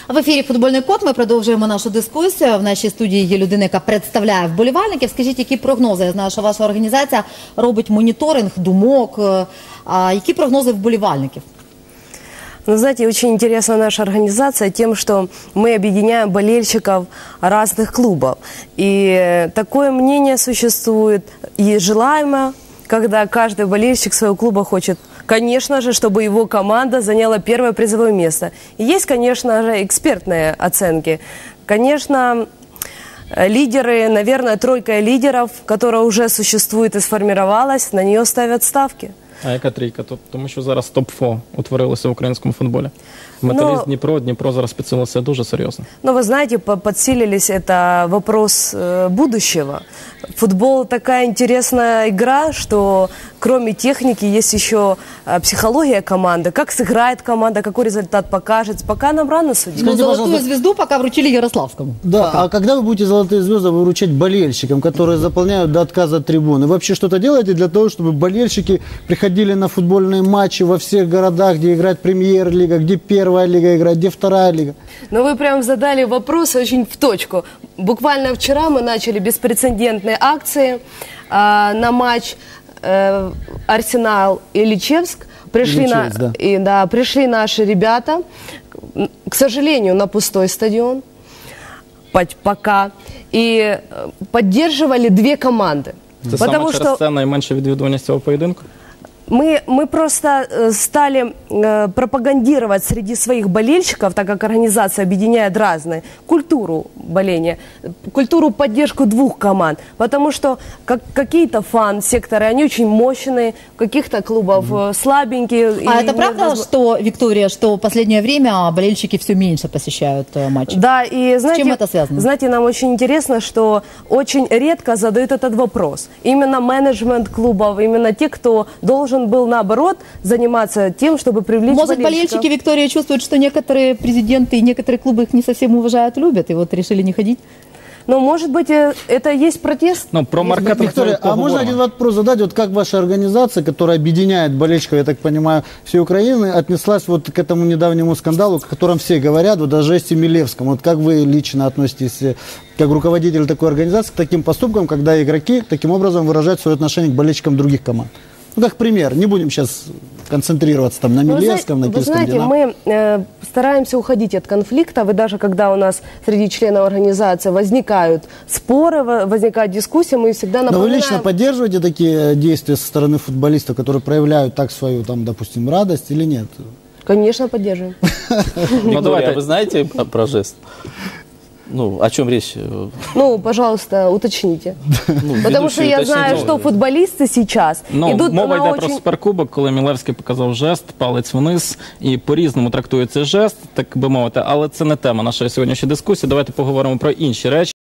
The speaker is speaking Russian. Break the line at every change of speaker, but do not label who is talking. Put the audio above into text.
В ефірі «Футбольний код» ми продовжуємо нашу дискусію. В нашій студії є людина, яка представляє вболівальників. Скажіть, які прогнози? Я знаю, що ваша організація робить моніторинг думок. Які прогнози вболівальників?
Ну, знаете, очень интересна наша организация тем, что мы объединяем болельщиков разных клубов. И такое мнение существует и желаемо, когда каждый болельщик своего клуба хочет, конечно же, чтобы его команда заняла первое призовое место. И есть, конечно же, экспертные оценки. Конечно, лидеры, наверное, тройка лидеров, которая уже существует и сформировалась, на нее ставят ставки.
А яка трійка? Тому що зараз топ-4 утворилося в українському футболі. Металіст Дніпро зараз підсилився дуже серйозно.
Но вы знаете, подсилились, это вопрос будущего. Футбол такая интересная игра, что кроме техники есть еще психология команды. Как сыграет команда, какой результат покажет. Пока нам рано судить.
Ну, золотую звезду пока вручили Ярославскому.
Да,
пока.
А когда вы будете золотые звезды выручать болельщикам, которые заполняют до отказа трибуны? Вы вообще что-то делаете для того, чтобы болельщики приходили на футбольные матчи во всех городах, где играет премьер-лига, где первая лига играет, где вторая лига?
Но вы прям задали вопрос очень в точку. Буквально вчера мы начали беспрецедентные акции на матч Арсенал и Ильичевск. Пришли наши ребята, к сожалению, на пустой стадион пока, и поддерживали две команды.
Це саме через це найменша відвідуваність цього поєдинку?
Мы просто стали пропагандировать среди своих болельщиков, так как организация объединяет разные, культуру боления, культуру поддержку двух команд. Потому что какие-то фан-секторы, они очень мощные, каких-то клубов слабенькие.
А это правда, что, Виктория, что в последнее время болельщики все меньше посещают матчи?
Да, и знаете,
с чем это связано?
Знаете, нам очень интересно, что очень редко задают этот вопрос. Именно менеджмент клубов, именно те, кто должен был, наоборот, заниматься тем, чтобы привлечь
болельщиков. Может, болельщики, Виктория, чувствуют, что некоторые президенты и некоторые клубы их не совсем уважают, любят, и вот решили не ходить?
Ну, может быть, это есть протест?
Ну, про маркетинг.
Виктория, а можно один вопрос задать? Вот как ваша организация, которая объединяет болельщиков, я так понимаю, всей Украины, отнеслась вот к этому недавнему скандалу, о котором все говорят, вот даже Жесте Милевском. Вот как вы лично относитесь, как руководитель такой организации, к таким поступкам, когда игроки таким образом выражают свое отношение к болельщикам других команд? Ну, как пример, не будем сейчас концентрироваться там на Милевском, на Киевском
Динамо. Вы знаете, мы стараемся уходить от конфликтов, и даже когда у нас среди членов организации возникают споры, возникают дискуссии, мы всегда напоминаем...
Но вы лично поддерживаете такие действия со стороны футболистов, которые проявляют так свою, там, допустим, радость или нет?
Конечно, поддерживаем.
Ну, давайте, вы знаете про жест? Ну, о чем речь?
Ну, пожалуйста, уточните. Потому что я знаю, что футболисты сейчас идут на
мова йде про суперкубок, коли Мілевський показав жест, палець вниз, і по-різному трактує цей жест, так би мовити, але це не тема нашої сьогоднішньої дискусії. Давайте поговоримо про інші речі.